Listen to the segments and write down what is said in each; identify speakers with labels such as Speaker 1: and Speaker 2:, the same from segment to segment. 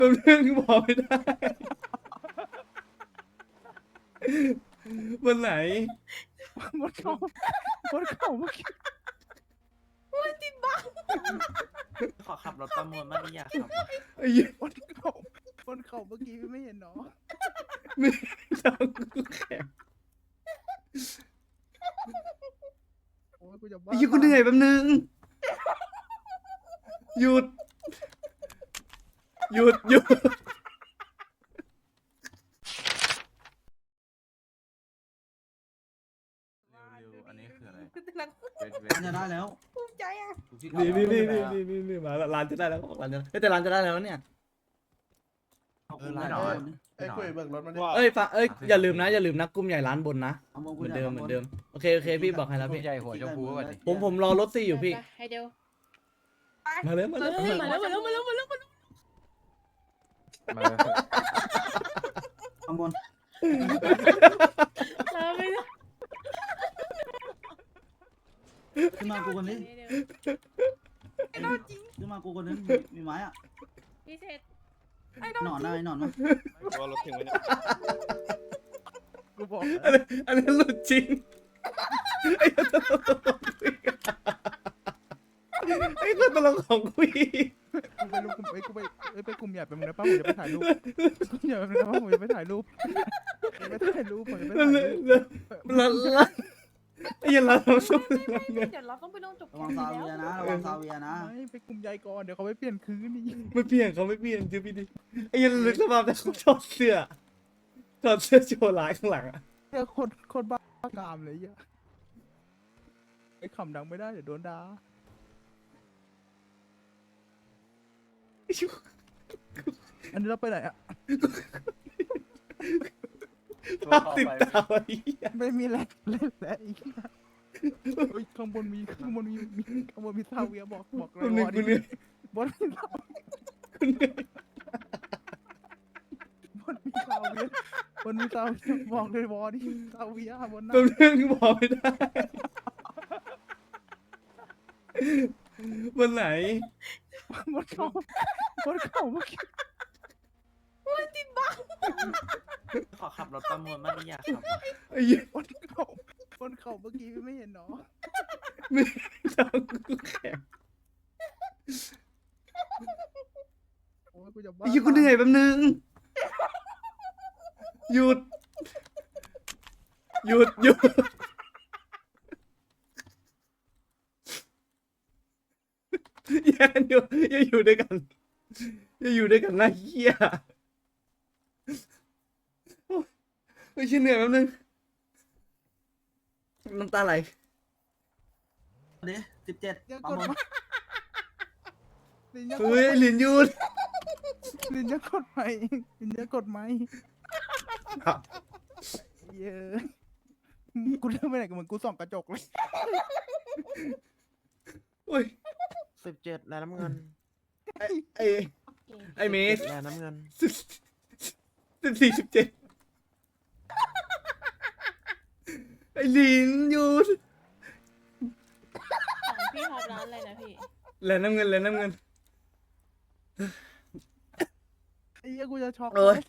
Speaker 1: เป็นเรื่องที่บอกไม่ได้วันไหน
Speaker 2: บนเขาบนเขาเมื่อกี้
Speaker 3: ขอขับรถประมูลมากนี่อยากขับ
Speaker 1: ไอ้เหี้ย
Speaker 2: บนเขาเมื่อกี้ไม่เห็นเนาะ
Speaker 1: ไม่ต้องกูแข็ง
Speaker 2: โอ้ยกูจะบ้า
Speaker 1: ไอ้เหี้ยกูเหนื่อยแป๊บนึงหยุดหยุดหยุด
Speaker 3: เร็วๆอันนี้คืออะไร
Speaker 4: มันจะได้แล้ว
Speaker 5: ภูมิใจอ่ะ
Speaker 1: นี่มาแล้วร้านจะได้แล้วร้านจะแต่ร้านจะได้แล้วเนี่ย
Speaker 4: ไม่หรอ
Speaker 6: ไอ้คุยเบิกรถมันดิ
Speaker 1: เอ้ยฟังอย่าลืมนะกลุ่มใหญ่ร้านบนนะเหมือนเดิมโอเคพี่บอกให้แล้วพี่
Speaker 3: ใหญ่หัวชมพูก่อนดิ
Speaker 1: ผมรอรถซี่อยู่พี่
Speaker 5: ให้เดียว
Speaker 1: มาเลย
Speaker 5: มาแล้วมาแล้วมาแล้วมาแล้วมาแล้ว
Speaker 3: มา
Speaker 4: ข้างบน
Speaker 5: ไม่ได้
Speaker 4: ขึ้นมากูคนนี้
Speaker 5: ไอ้นอนจริง
Speaker 4: ขึ้นมากูคนนี้มีไม้อะ
Speaker 5: พี่เศษ
Speaker 4: หนอนอะไรหนอนมา
Speaker 6: ว่ารถถึงไหมเนี่ย
Speaker 2: กูบอก
Speaker 1: อันนั้นหลุดจริงไอ้คนตลกของคุย
Speaker 2: กูไปรูปกูไปกลุ่มใหญ่ไปมึงนะป้าผมจะไปถ่ายรูปกลุ่มใหญ่ไปมึงนะป้าผมจะไปถ่ายรูปผมจะไปถ่ายรูปผมจะไปถ่ายรูป
Speaker 1: แล้วไอ้ยันเราสู้เงิน
Speaker 5: เดี๋ยวเราต้องไปลงจบ
Speaker 4: ระวังซาเวียนะระวังซาเวียนะ
Speaker 2: ไม่ไปกลุ่มใหญ่ก่อนเดี๋ยวเขาไปเปลี่ยนคืนนี่
Speaker 1: ไม่เปลี่ยนเขาไม่เปลี่ยนเจอพี่ดิไอ้ยันลึกสภาพแต่เขาถอดเสื้อโชว์ลายข้างหลังอะ
Speaker 2: เจอคนบ้ากามเลยอ่ะไอ้ขำดังไม่ได้เดี๋ยวโดนด่า อันนี้เราไปไหนอ่ะ
Speaker 1: ภาพติดตาไอ้เหี้ย
Speaker 2: ไม่มีแรงเล่นแล้วอีกข้างบนมีข้างบนมีซาเวียบอกเล
Speaker 1: คุ
Speaker 2: ย
Speaker 1: ณเหนื่
Speaker 2: ว
Speaker 1: อ
Speaker 2: อย
Speaker 1: คุณเหนื่อย
Speaker 2: บนมีซา
Speaker 1: คุณเหนื่อย
Speaker 2: บนมีซาเวียบอกเลยวอดิซาเวียบนหน้า
Speaker 1: เป็นเรื่องที่บอกไม่ได้วันไหน
Speaker 2: บนเขาเมื่อกี้
Speaker 3: ขอขับรถประมูลมากนี่อยากขับ
Speaker 1: ไอ้เหี้ย
Speaker 2: บนเขาเมื่อกี้ไม่เห็นเนาะ
Speaker 1: ไม่ต้องกูแข็ง
Speaker 2: โอ้ยกูจะบ้า
Speaker 1: ไอ้เหี้ยกูเหนื่อยแป๊บนึงหยุดแย่กันอย่าอยู่ด้วยกันนะเฮียไม่ใช่เหนื่อยแป๊บนึงน้ำตาไหล
Speaker 4: เดี๋ยว17
Speaker 2: ยัง
Speaker 4: ปั๊
Speaker 2: ก
Speaker 4: ม
Speaker 2: ด
Speaker 4: บน
Speaker 2: มาลินยัง
Speaker 1: เฮ้ยลินหยุด
Speaker 2: ลินยังกดไหมลินยังกดไหมเย้กูเริ่มไปไหนกันเหมือนกูส่องกระจกเลย
Speaker 1: โอ้ย
Speaker 3: 17แล้วน้ำเงิน
Speaker 1: ไอ้เมส
Speaker 3: แล้วน้ำเงิน
Speaker 1: 17ไอ้ลินหยุด
Speaker 5: พี่ท็อปร้านอะไรนะพี่
Speaker 1: แล้วน้ำเงิน
Speaker 2: ไอ้เหี้ยกูจะช็อก
Speaker 1: เอ้ย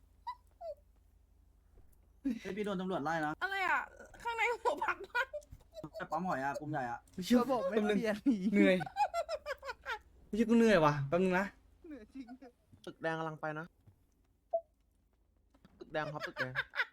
Speaker 4: พี่โดนตำรวจไล่นะ
Speaker 5: อะไรอ่ะ ข้างในหัวผักบ้าน
Speaker 4: ไปปั๊มหอยอะกลุ่มใหญ่อะ
Speaker 1: เชื่อ
Speaker 2: ก็บอกไม่
Speaker 1: แป๊บนึง
Speaker 2: เปลี่ยนหนี
Speaker 1: เหนื่อยไม่ใช่กูเหนื่อยว่ะแป๊บนึงนะ
Speaker 2: เหนื่อยจริง
Speaker 3: ตึกแดงกำลังไปนะ ตึกแดงครับตึกแดง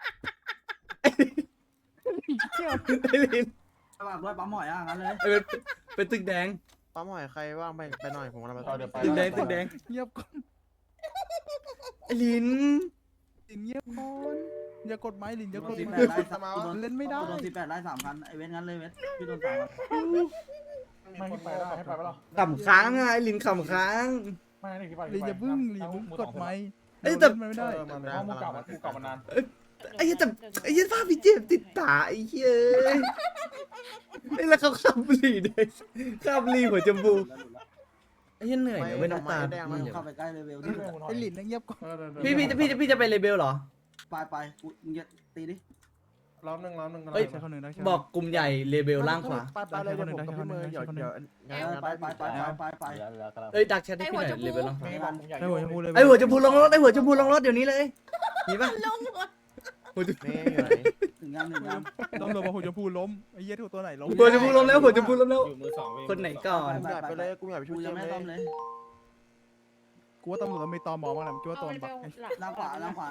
Speaker 2: เที่ยว
Speaker 1: ไอ้ลิน
Speaker 4: ระวังด้วยปั๊มหอยอะงั้นเลย
Speaker 1: ไอ้เป็นตึกแดง
Speaker 3: ป้าหมอยใครว่างไปหน่อยผมกำลังไป
Speaker 1: ตึกแดง
Speaker 2: เงียบก่อน
Speaker 1: ไอ้ลิน
Speaker 2: ลินเงียบก่อนอย่ากดไม้ลินอย่ากด
Speaker 4: 18
Speaker 2: ไม้
Speaker 4: ไล่กูโดน
Speaker 2: เล่นไม่ได้
Speaker 4: กูโดน18ไล่3,000ไอเว้นงั้นเลยเว้นพี่โดน3,000
Speaker 6: ไม่ให้ไปได้ให้ไปปะล่ะ
Speaker 1: ขำค้างอ่ะไอ้ลินขำค้าง
Speaker 6: ไม่นี่ที่ไป
Speaker 2: ลินอย่าบึ้งลินกดไม้
Speaker 1: เอ้ยแต่
Speaker 2: เล่นไม่ได้
Speaker 6: เพราะมึงกลับมากูกลับมานาน
Speaker 1: ไอ้เหี้ยแต่ไอ้เหี้ยภาพพี่เจมส์ติดตาไอ้เหี้ยไอ้แล้วเขาขับบุหรี่ด้วยขับบุหรี่หัวจมูกไอ้เหี้ยเหนื่อยเนี่ยเว้ยน้ำตา
Speaker 3: แดง
Speaker 4: มึ
Speaker 3: มัน
Speaker 4: ง
Speaker 3: เดี๋ยว
Speaker 4: เข้าไปใกล้เลเวลที่
Speaker 2: ไอ้ลินนั่งเงียบก่อน
Speaker 1: พี่จะไปเลเบลเหรอ
Speaker 4: ไปกูมึงจะตีดิ
Speaker 6: ล้อมหนึ่ง
Speaker 1: เอ้ย
Speaker 2: ใช้คนหนึ่งได้ใช่
Speaker 1: บอกกลุ่มใหญ่เลเบลล่างขวา
Speaker 2: ไปเลยเดี๋ยวผมกับพี่มือเดี๋ยว
Speaker 4: ไป
Speaker 1: เอ้ยดักแชทให้พี่หน่อยเลเบลล่างขวา
Speaker 6: นี่บอกผมใหญ่
Speaker 2: ได้หัวชมพูเลย
Speaker 1: ไอ้หัวชมพูลงรถไอ้หัวชมพูลงรถเดี๋ยวนี้เลยมีปะ
Speaker 5: ลงหมด
Speaker 1: หัวชมพู
Speaker 4: ถึงยังถึงยัง
Speaker 2: ต้องรอมาหัวชมพูล้มไอ้เหี้ยถูกตัวไหนล้ม
Speaker 1: หัวชมพูลงแล้วหัวชมพูลงแล้ว
Speaker 6: อยู่มือสอง
Speaker 1: คนไหนก่อน
Speaker 4: ไปเลยกูอยากไปช่วยยังไม่ต้องเลย
Speaker 2: กูว่าตำรวจต้องมีตอมอบ้างแหละกูว่าตัวบัก
Speaker 4: ล่างขวา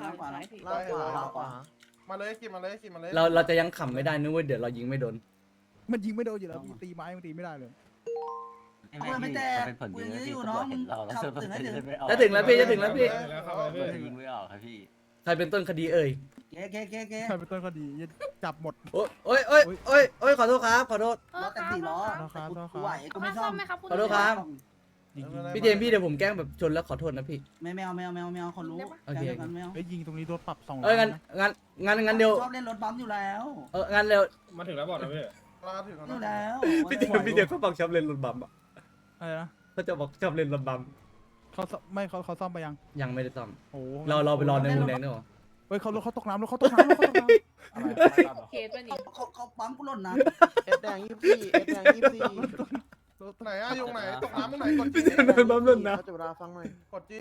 Speaker 6: มาเลยขี่มาเลย
Speaker 1: เราจะยังขำไม่ได้นึกว่าเดี๋ยวเรายิงไม่โดน
Speaker 2: มันยิงไม่โดนอยู่แล้วตีไม้มันตีไม่ได้เลย
Speaker 4: กูไม่แตกกูยังยื้ออยู่น้องขับถึงให้ถึง
Speaker 1: จะถึงแล้วพี่จะถึงแล้วพี่
Speaker 7: ยิงไม่ออกครับพี่
Speaker 1: ใครเป็นต้นคดีเอ่ย
Speaker 4: เก๊
Speaker 2: ใครเป็นต้นคดีจับหมด
Speaker 1: โอ้ยโอ้ยโอ้ยโอ้ยโอ้ยขอโทษครับขอโทษ
Speaker 4: ล้อแต่4ล้อกูไหวกูไม่ชอบ
Speaker 1: ขอโทษครับ
Speaker 2: ยิง
Speaker 1: พี่เจมส์พี่เดี๋ยวผมแกล้งแบบชนแล้วขอโทษนะพี่
Speaker 4: ไม่เอาคนรู้กันไม่เอา
Speaker 2: ไอ้ยิงตรงนี้โดนปรับ2
Speaker 1: เอ้ยงั้นเดี๋ยว
Speaker 4: ชอบเล่นรถบัมอยู่แล้ว
Speaker 1: งั้นเร็ว
Speaker 6: มาถึงแล้วบอกนะพี่มาถึง
Speaker 4: อยู่แล้ว
Speaker 1: พี่เจมส์เขาบอกชอบเล่นรถบัมอ่ะ
Speaker 2: อะไรนะ
Speaker 1: เขาจะบอกชอบเล่นรถบัม
Speaker 2: เขาไม่เขาซ่อมไปยัง
Speaker 1: ยังไม่ได้ซ่อม
Speaker 2: โอ้
Speaker 1: เราไปรอในมูแดงด้วยเหรอ
Speaker 2: เฮ้ยเขาตกน้ำแล้วเขาตกน้ำ
Speaker 5: เคสป่ะนี่
Speaker 4: เขาปั๊มกูหล่นนะ
Speaker 8: เอ็ดแดง24เอ็ดแดง24
Speaker 6: ไหนอะยุงไหนตกน้ำตรงไหนกด
Speaker 1: พี่เจมส์โดนบัมหล่นนะ
Speaker 8: เขาจะเวลาฟังหน่อย
Speaker 6: กดจี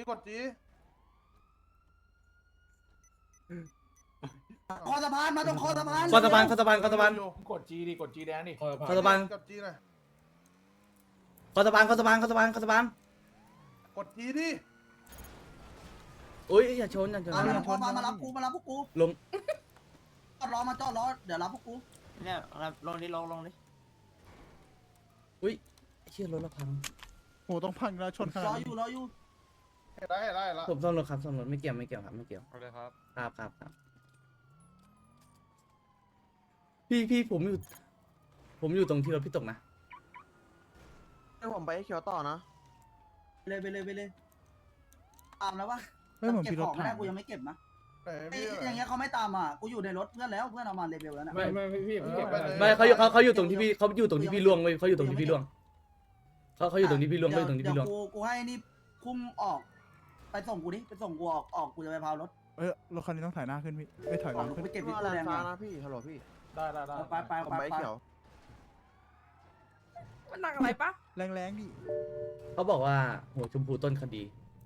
Speaker 4: คอสะพานมาตรงคอสะพาน
Speaker 1: คอสะพาน
Speaker 6: กดจีดิกดจีแดงดิ
Speaker 1: คอสะพาน
Speaker 6: กดจีหน่อย
Speaker 1: คอสะพาน
Speaker 6: กดจีดิ
Speaker 1: อุ้ยอย่าชน
Speaker 4: มารับพวกกู
Speaker 1: ลง
Speaker 4: จอดล้อเดี๋ยวรับพวกกู
Speaker 3: เนี่ยลงดิลงดิ
Speaker 1: อุ้ยเชี่ยรถเราพัง
Speaker 2: โอ้ต้องพังแล้วชนข
Speaker 4: ร
Speaker 2: นา
Speaker 4: อ
Speaker 2: ด
Speaker 4: อยู่
Speaker 6: เห็นได้แล้ว
Speaker 1: ผมซ่อมรถครับซ่อมรถไม่เกี่ยวครับไม่เกี่ยว
Speaker 6: เอาเลยครับ
Speaker 1: ครับพี่ผมอยู่ตรงที่รถพี่ตกนะ
Speaker 8: ให้ผมไปให้เขียวต่อนะ
Speaker 4: ไปเลยตามแล้ววะ
Speaker 2: ไม่เหมือน
Speaker 4: เก็บ
Speaker 2: พี่ร
Speaker 4: ข
Speaker 2: ถ
Speaker 4: องไม่
Speaker 2: ถั
Speaker 4: ได้
Speaker 2: ง
Speaker 4: กูยังไม่เก็บนะ
Speaker 6: พี่
Speaker 4: อย่างเงี้ยเขาไม่ตามอ่ะกูอยู่ในรถเพื่อนแล้วเพื่อนเอามาเลเวลแล้วนะ
Speaker 6: พี่เก็บไปเลย
Speaker 1: ไม่เขาอยู่ตรงที่พี่ล่วงเว้ยเขาอยู่ตรงที่พี่ล่วงเขาอยู่ตรงที่พี่ล่วงเขาอยู่ตรงที่พี่ล่วง
Speaker 4: เดี๋ยวกูให้นี่พุ่งออกไปส่งกูดิไปส่งกูออกกูจะไปพาวรถ
Speaker 2: รถคันนี้ต้องถ่ายหน้าขึ้นพี่ไม่ถอยหลังขึ้น
Speaker 4: ไปเก็บ
Speaker 8: พี่
Speaker 4: ที่
Speaker 8: แล
Speaker 4: ตู้แด
Speaker 8: น
Speaker 4: ง
Speaker 8: ฟ้า
Speaker 4: มา
Speaker 8: นะพี่ฮัลโหลพี่
Speaker 6: ได้
Speaker 4: ไป
Speaker 8: ผมไปให้เขียว
Speaker 5: มันหนักอะไรปะ
Speaker 2: แรงๆดิ
Speaker 1: เขาบอกว่าหัวชมพูต้นคดี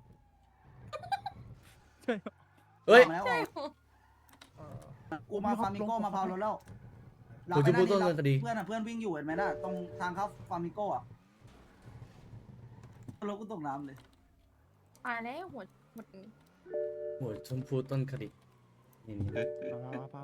Speaker 2: ใช่
Speaker 1: เฮ้ย
Speaker 5: ใช่หรอ
Speaker 4: กูมาฟาร์มิโก้มาพาวรถแล้ว
Speaker 1: หัวชมพูต้นคดี
Speaker 4: เพื่อนวิ่งอยู่เห็นไหมน่ะตรงทางเข้าฟาร์มิโก้อ่ะรถกูตกน้ำเลย
Speaker 5: ตายแล้วหัวหมด
Speaker 1: หัวชมพูต้นคดีนี่
Speaker 2: ป้า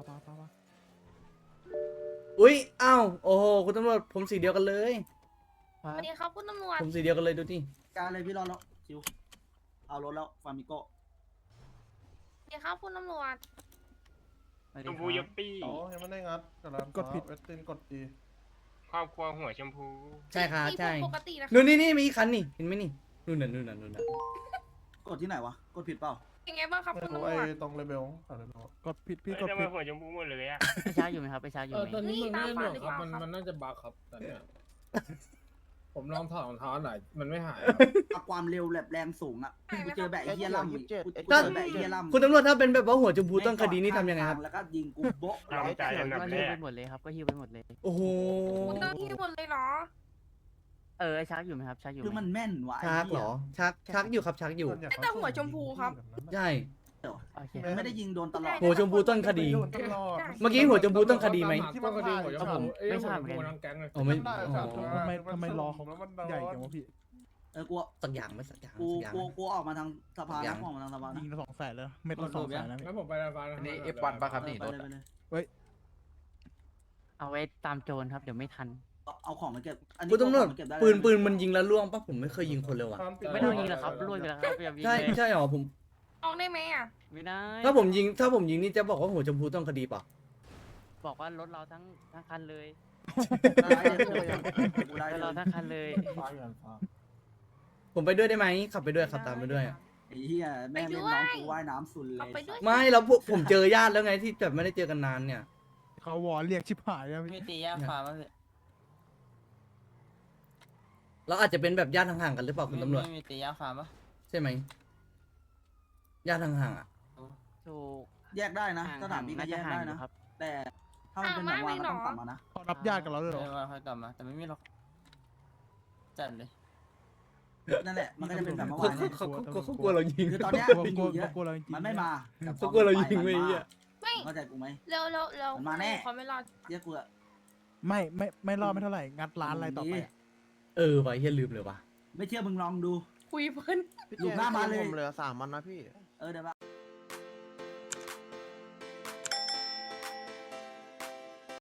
Speaker 1: อุ้ยอ้าวโอ้โหคุณตำรวจผมสีเดียวกันเลย
Speaker 5: สวัสดีครับคุณตำรวจ
Speaker 1: ผมสีเดียวกันเลยดูดิ
Speaker 4: การเลยพี่รอแล้วชิวเอารถแล้วฟาร์มิโก้
Speaker 5: สวัสดีครับคุณตำรวจ
Speaker 7: ชมพูยัปปี้
Speaker 6: อ๋อยังไม่ได้งัดเวสตินกดจี
Speaker 7: ครอบครัวหัวชมพู
Speaker 1: ใช่ครับ
Speaker 5: นี่
Speaker 1: ใช่
Speaker 5: ปกตินะ
Speaker 1: นู่นนี่มีอีกคันนี่เห็นไหมนี่นู่นน่ะ
Speaker 4: กดที่ไหนวะกดผิดเปล่า
Speaker 5: ยังไงบ้างครับ
Speaker 6: ไม่
Speaker 5: คุณ
Speaker 6: รู้
Speaker 5: ตำร
Speaker 6: ไอ้
Speaker 5: วจ
Speaker 6: ตรงเลเวล
Speaker 2: กดผิดพี่กด
Speaker 7: ทำไม
Speaker 2: ผิด
Speaker 7: หัวชมพูหมดเลยอะ
Speaker 9: ไปช้าอยู่ไหมครับไปช้าอยู่ไหม
Speaker 10: ตอนนี้มันไม่ได้หนวดครับ
Speaker 5: นี่ตามฝันหรือเปล่าครับ
Speaker 10: มันน่าจะบักครับตอนเนี้ยผมลองถอดรองเท้าหน่อยมันไม่หาย
Speaker 4: ความเร็วแบบแรงสูงอ่ะกูเจอแบบไอ้เฮียล่ำกูเจอแบบไอ้เฮียล่ำ
Speaker 1: คุณตำรวจถ้าเป็นแบบว่าหัวชมพูต้นคดีนี่ทำยังไงครับ
Speaker 4: แล้วก็ยิงกูโบ๊ะ
Speaker 7: ตามใจอันดับ
Speaker 9: ก็
Speaker 7: แร
Speaker 9: ฮิวไป
Speaker 7: ก
Speaker 9: หมดเลยครับก็ฮิวไปหมดเลย
Speaker 1: โอ้โห
Speaker 5: คุณต้องที่หมดเลยเหรอ
Speaker 9: ไอ้ช้าอยู่ไหมครับช้าอยู่ไห
Speaker 4: คือ
Speaker 9: ม
Speaker 4: มันแม่นว่ะ
Speaker 1: ชักเหรอชักอยู่ครับชักอยู่
Speaker 5: แต่หัวชมพูครับ
Speaker 1: ใช่
Speaker 9: โอเค
Speaker 4: มันไม่ได้ยิงโดนตลอด
Speaker 1: หัวชมพูต้นคดี
Speaker 6: ตลอด
Speaker 1: เมื่อกี้หัวชมพูต้นคดีไหม
Speaker 10: ที่มันคดีหัวชมพูเอ้ยหัวชมพูทั้งแก๊งเลย
Speaker 1: อ๋อไม่
Speaker 6: ได้
Speaker 1: อ๋
Speaker 6: ครับ
Speaker 1: อ
Speaker 2: ทำไมรอเขาใหญ่จังวะพี่
Speaker 4: กู
Speaker 1: สักอย่างไม่สักอย่าง
Speaker 4: กูออกมาทางสะพานออกมาทางสะพาน
Speaker 2: ยิงละ200,000แล้วเม็ดละ200,000แล้ว
Speaker 10: งั้นผมไปร้าน
Speaker 8: อันนี้ F1 ป่ะครับนี่
Speaker 4: ไปเลย
Speaker 9: เอาไว้ตามโจรครับเดี๋ยวไม่ทัน
Speaker 4: เอาของมาเก็บ
Speaker 1: คุณตำรวจปืนมันยิงแล้วล่วงปะผมไม่เคยยิงคนเลยว่ะ
Speaker 9: ไม่ต้องยิงหรอกครับรวยไปแล้วครับอย่ายิง
Speaker 1: ใช่
Speaker 9: เลย
Speaker 1: ใช่หรอผม
Speaker 5: ออกได้ไหมอ่ะ
Speaker 9: ไม่ได้
Speaker 1: ถ้าผมยิงนี่จะบอกว่าหัวชมพูต้นคดีเปล่ะ
Speaker 9: บอกว่ารถเราทั้งคันเลย
Speaker 4: ได้เลยกูได้
Speaker 9: รถ
Speaker 4: เล
Speaker 9: เรา
Speaker 4: ย
Speaker 9: ทั้งคันเลย
Speaker 6: ฟ้าอยู่ฟ้า
Speaker 1: ผมไปด้วยได้ไหมขับไปด้วยขับตามไปด้วย
Speaker 4: ไอ้เหี้ยแม่เล่นน้องกูว่ายน้ำสุดเล
Speaker 5: เอา
Speaker 4: ย
Speaker 5: ไปด้วย
Speaker 1: ไม่แล้วพวกผมเจอญาติแล้วไงที่แบบไม่ได้เจอกันนานเนี่ย
Speaker 2: เขาวอเรียกชิบหายแล้ว
Speaker 3: มี
Speaker 2: พี่
Speaker 3: ตีย่าฟ้าป่ะพี่
Speaker 1: เราอาจจะเป็นแบบญาติห่างๆกันหรือเปล่าคุณตำรวจ
Speaker 3: มีตีย่าฟ้าป่ะ
Speaker 1: ใช่ไหมญาติห่างๆอ่ะ
Speaker 9: ถูก
Speaker 4: แยกได้นะสถานบินก็แยกได้นะ
Speaker 9: ครับ
Speaker 4: แต่ถ้าถ้ามันเป็นแบบว่าก็ต้องกลับมานะ
Speaker 2: เขารับญาติกับเราเลยเหรอ
Speaker 3: ไม่ว่าค่อยกลับมาแต่ไม่มีหรอกจัดเลย
Speaker 4: นั่นแหละมันก็จะเป็นแบบเมื่อ
Speaker 1: เขา
Speaker 4: วานเนี่ย
Speaker 1: เขากลัวเรายิง
Speaker 4: คือตอนเนี้ย
Speaker 2: กลัว
Speaker 4: ปิง
Speaker 2: กลั
Speaker 4: อ
Speaker 2: ว
Speaker 4: ยู่เยอะ
Speaker 2: กลัวเราจริงๆ
Speaker 4: มันไม่มาแต่
Speaker 1: เขากลัวเรายิง
Speaker 4: พ
Speaker 1: ไว้
Speaker 4: อ
Speaker 1: ไอ้
Speaker 4: มัน
Speaker 1: เหี้ย
Speaker 5: ไม่
Speaker 4: เข้าใจกูไหม
Speaker 5: แล้ว
Speaker 4: มันมาแน่
Speaker 5: เขาไม่รอด
Speaker 4: เรียกกูอะ
Speaker 2: ไม่รอดไม่เท่าไหร่งัดร้านอะไรต่อไปอะ
Speaker 1: ว่ะเฮียลืมเลยว่ะ
Speaker 4: ไม่เชื่อมึงลองดู
Speaker 5: คุยเพิ่น
Speaker 8: พี่
Speaker 4: ลูกหน้ามาเลย
Speaker 8: ผมเหลือ3 มันนะพี่
Speaker 4: เดี๋ยว